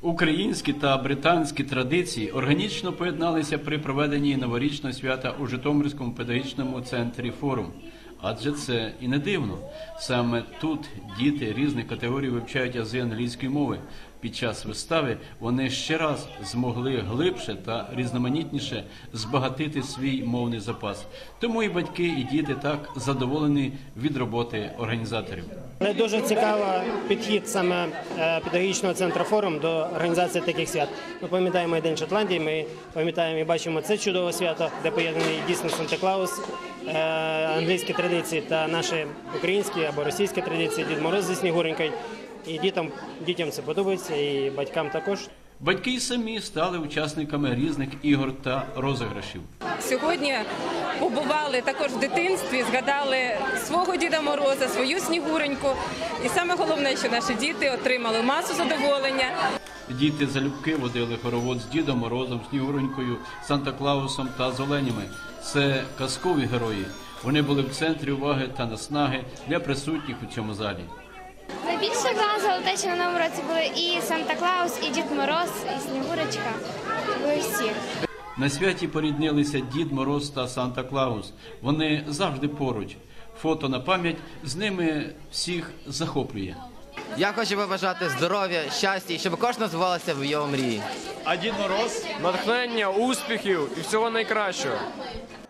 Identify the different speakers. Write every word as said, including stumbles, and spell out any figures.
Speaker 1: Українські та британські традиції органічно поєдналися при проведенні новорічного свята у Житомирському педагогічному центрі «Форум». Адже це і не дивно. Саме тут діти різних категорій вивчають ази англійської мови. Під час вистави вони ще раз змогли глибше та різноманітніше збагатити свій мовний запас. Тому і батьки, і діти так задоволені від роботи організаторів.
Speaker 2: Дуже цікавий підхід саме педагогічного центру «Форум» до організації таких свят. Ми пам'ятаємо і День Шотландії, ми пам'ятаємо і бачимо це чудове свято, де поєднаний дійсно Санта-Клаус, англійські традиції та наші українські або російські традиції, Дід Мороз зі Снігуренькою. І дітям, дітям це подобається, і батькам також.
Speaker 1: Батьки й самі стали учасниками різних ігор та розіграшів.
Speaker 3: Сьогодні побували також в дитинстві, згадали свого Діда Мороза, свою Снігуреньку. І саме головне, що наші діти отримали масу задоволення.
Speaker 1: Діти залюбки водили хоровод з Дідом Морозом, Снігуренькою, Санта-Клаусом та з оленями. Це казкові герої. Вони були в центрі уваги та наснаги для присутніх у цьому залі.
Speaker 4: Найбільше вразило те, що на новому році були і Санта-Клаус, і Дід Мороз, і Снігурочка. Були всі.
Speaker 1: На святі поріднилися Дід Мороз та Санта-Клаус. Вони завжди поруч. Фото на пам'ять з ними всіх захоплює.
Speaker 5: Я хочу побажати здоров'я, щастя і щоб кожен збувалося в його мрії.
Speaker 6: А Дід Мороз?
Speaker 7: Натхнення, успіхів і всього найкращого.